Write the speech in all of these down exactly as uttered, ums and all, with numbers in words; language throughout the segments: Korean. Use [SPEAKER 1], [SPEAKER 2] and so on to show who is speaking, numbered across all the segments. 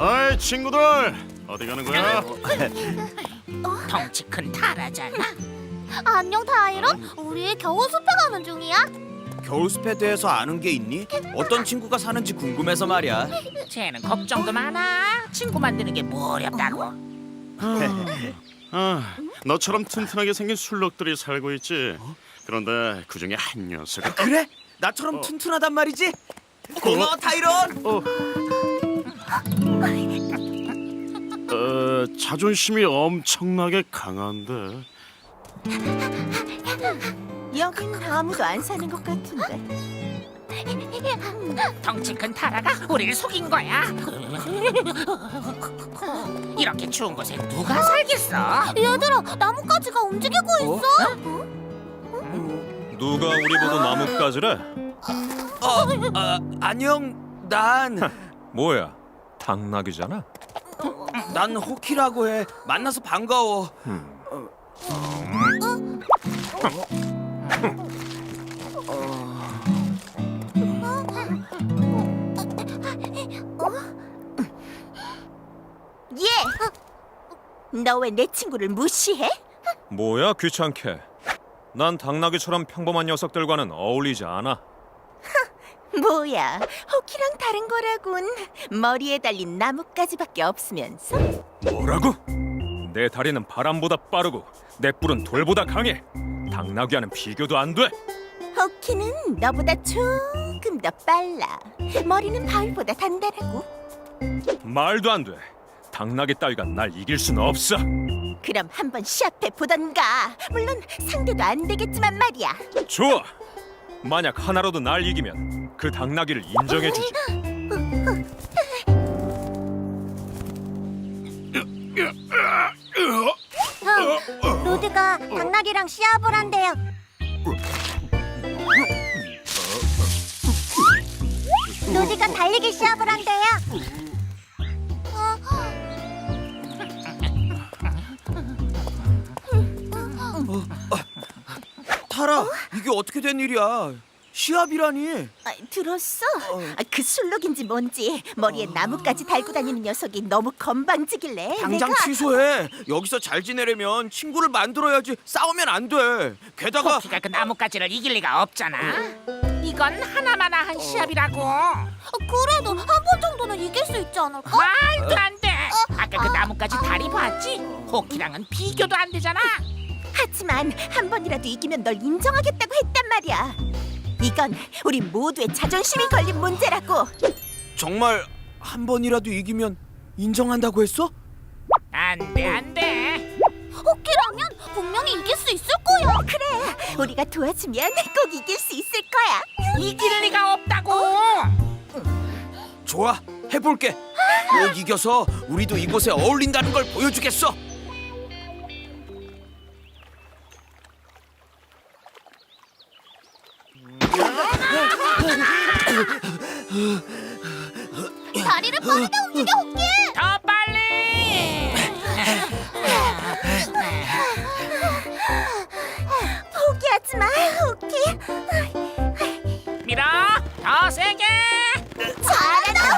[SPEAKER 1] 어이 친구들 어디 가는 거야?
[SPEAKER 2] 덩치 큰 타라잖아.
[SPEAKER 3] 안녕 타이런. 우리 겨우 숲에 가는 중이야.
[SPEAKER 4] 겨울숲에 대해서 아는 게 있니? 어떤 친구가 사는지 궁금해서 말이야.
[SPEAKER 2] 쟤는 걱정도 많아. 친구 만드는 게 뭐 어렵다고.
[SPEAKER 1] 아, 너처럼 튼튼하게 생긴 술록들이 살고 있지. 그런데 그 중에 한 녀석은
[SPEAKER 4] 그래? 나처럼
[SPEAKER 1] 어.
[SPEAKER 4] 튼튼하단 말이지? 고마워 타이런.
[SPEAKER 1] 어, 어, 자존심이 엄청나게 강한데.
[SPEAKER 5] 여긴 아무도 안 사는 것 같은데.
[SPEAKER 2] 덩치 큰 타라가 우리를 속인 거야. 이렇게 추운 곳에 누가 살겠어?
[SPEAKER 3] 얘들아, 나뭇가지가 움직이고 있어.
[SPEAKER 6] 누가 우리 보고 나뭇가지래?
[SPEAKER 4] 어, 아, 안녕. 난,
[SPEAKER 6] 뭐야? 당나귀잖아.
[SPEAKER 4] 난 호키라고 해. 만나서 반가워.
[SPEAKER 5] 얘! 너 왜 내 친구를 무시해?
[SPEAKER 6] 뭐야 귀찮게. 난 당나귀처럼 평범한 녀석들과는 어울리지 않아.
[SPEAKER 5] 뭐야, 호키랑 다른 거라곤. 머리에 달린 나뭇가지밖에 없으면서.
[SPEAKER 6] 뭐라고? 내 다리는 바람보다 빠르고 내 뿔은 돌보다 강해. 당나귀와는 비교도 안 돼.
[SPEAKER 5] 호키는 너보다 조금 더 빨라. 머리는 바위보다 단단하고.
[SPEAKER 6] 말도 안 돼. 당나귀 따위가 날 이길 순 없어.
[SPEAKER 5] 그럼 한번 시합해 보던가. 물론 상대도 안 되겠지만 말이야.
[SPEAKER 6] 좋아. 만약 하나로도 날 이기면 그 당나귀를 인정해주지.
[SPEAKER 3] 형, 로드가 당나귀랑 시합을 한대요. 로드가 달리기 시합을 한대요.
[SPEAKER 4] 타라, 이게 어떻게 된 일이야? 시합이라니.
[SPEAKER 5] 아, 들었어? 아, 그 술록인지 뭔지 머리에 나뭇가지 달고 다니는 녀석이 너무 건방지길래
[SPEAKER 4] 당장
[SPEAKER 5] 내가
[SPEAKER 4] 취소해. 여기서 잘 지내려면 친구를 만들어야지. 싸우면 안 돼. 게다가
[SPEAKER 2] 호키가 그 나뭇가지를 이길 리가 없잖아. 이건 하나마나한 시합이라고.
[SPEAKER 3] 어, 그래도 한 번 정도는 이길 수 있지 않을까?
[SPEAKER 2] 말도 안 돼. 아까 그 나뭇가지 다리 봤지? 호키랑은 비교도 안 되잖아.
[SPEAKER 5] 하지만 한 번이라도 이기면 널 인정하겠다고 했단 말이야. 이건 우리 모두의 자존심이 걸린 문제라고.
[SPEAKER 4] 정말 한 번이라도 이기면 인정한다고 했어?
[SPEAKER 2] 안 돼, 안 돼.
[SPEAKER 3] 호키라면 분명히 이길 수 있을 거야.
[SPEAKER 5] 그래, 우리가 도와주면 꼭 이길 수 있을 거야.
[SPEAKER 2] 이길 리가 없다고.
[SPEAKER 4] 좋아, 해볼게. 꼭 이겨서 우리도 이곳에 어울린다는 걸 보여주겠어.
[SPEAKER 3] 다리를 빠르게 움직여, 호키.
[SPEAKER 2] 더 빨리.
[SPEAKER 5] 포기하지 마, 호키.
[SPEAKER 2] 밀어. 더 세게.
[SPEAKER 5] 잘한다,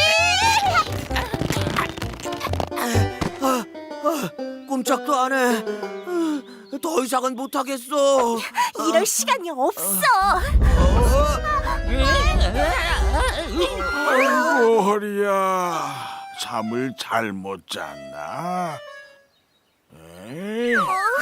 [SPEAKER 5] 호키.
[SPEAKER 4] 꼼짝도 안 해. 더 이상은 못하겠어.
[SPEAKER 5] 이럴 시간이 없어.
[SPEAKER 7] 아이고 허리야, 잠을 잘 못 잤나? 에이?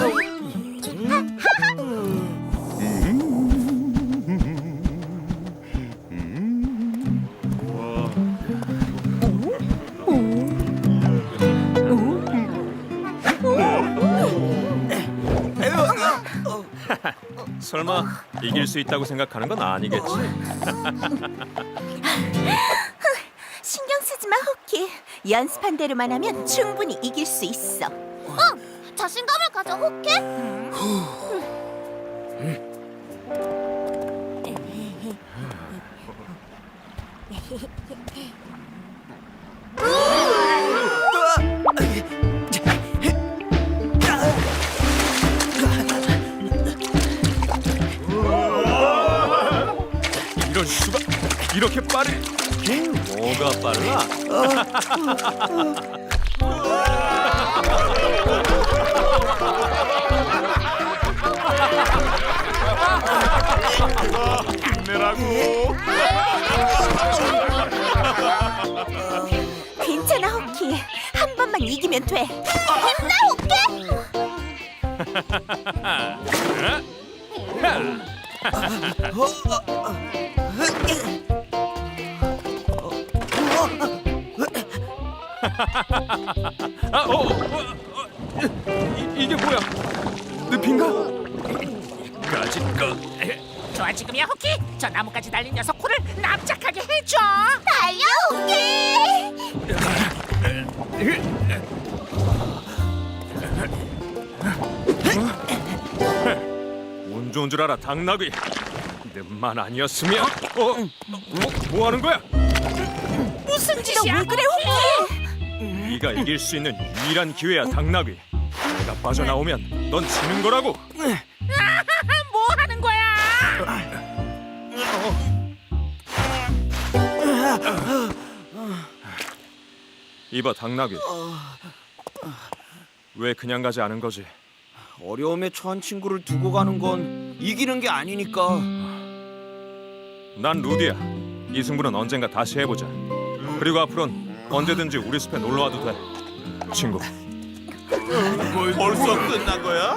[SPEAKER 6] 설마 이길 수 있다고 생각하는 건 아니겠지?
[SPEAKER 5] 신경 쓰지 마, 호키. 연습한 대로만 하면 충분히 이길 수 있어.
[SPEAKER 3] 응, 자신감을 가져, 호키.
[SPEAKER 6] 이런 수가 이렇게 빠르? 뭐가 빨라?
[SPEAKER 1] 힘내라고.
[SPEAKER 5] 괜찮아, 호키. 한 번만 이기면 돼.
[SPEAKER 3] 힘내, 호키!
[SPEAKER 6] 아, 어, 어, 어, 이, 이게 뭐야? 늪인가? 까짓 거.
[SPEAKER 2] 좋아 지금이야 호키. 저 나무까지 달린 녀석 코를 납작하게 해줘.
[SPEAKER 3] 달려, 호키!
[SPEAKER 6] 운 좋은 줄 알아, 당나귀. 늪만 아니었으면. 어, 뭐, 뭐 하는 거야?
[SPEAKER 2] 무슨
[SPEAKER 5] 너
[SPEAKER 2] 짓이야?
[SPEAKER 5] 왜 그래, 호키?
[SPEAKER 6] 네가 이길 수 있는 유일한 기회야, 당나귀. 내가 빠져나오면 넌 지는 거라고.
[SPEAKER 2] 뭐 하는 거야?
[SPEAKER 6] 이봐, 당나귀. 왜 그냥 가지 않은 거지?
[SPEAKER 4] 어려움에 처한 친구를 두고 가는 건 이기는 게 아니니까.
[SPEAKER 6] 난 루디야. 이 승부는 언젠가 다시 해보자. 그리고 앞으론 언제든지 우리 숲에 놀러 와도 돼, 친구.
[SPEAKER 7] 벌써 끝난 거야?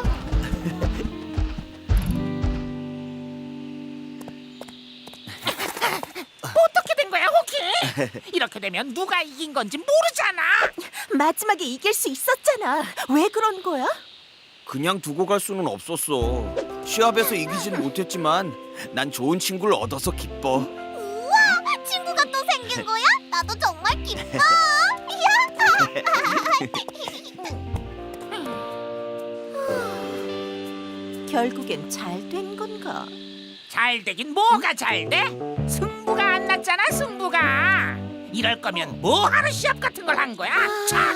[SPEAKER 2] 어떻게 된 거야 호키? 이렇게 되면 누가 이긴 건지 모르잖아.
[SPEAKER 5] 마지막에 이길 수 있었잖아. 왜 그런 거야?
[SPEAKER 4] 그냥 두고 갈 수는 없었어. 시합에서 이기지는 못했지만 난 좋은 친구를 얻어서 기뻐.
[SPEAKER 3] 우와! 친구가 또 생긴 거야? 나도 정말 기뻐! 야!
[SPEAKER 5] 결국엔 잘 된 건가?
[SPEAKER 2] 잘 되긴 뭐가 잘 돼? 승부가 안 났잖아 승부가. 이럴 거면 뭐하러 시합 같은 걸 한 거야? 참.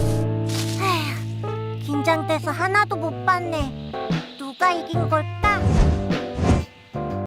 [SPEAKER 3] 긴장돼서 하나도 못 봤네. 누가 이긴 걸까?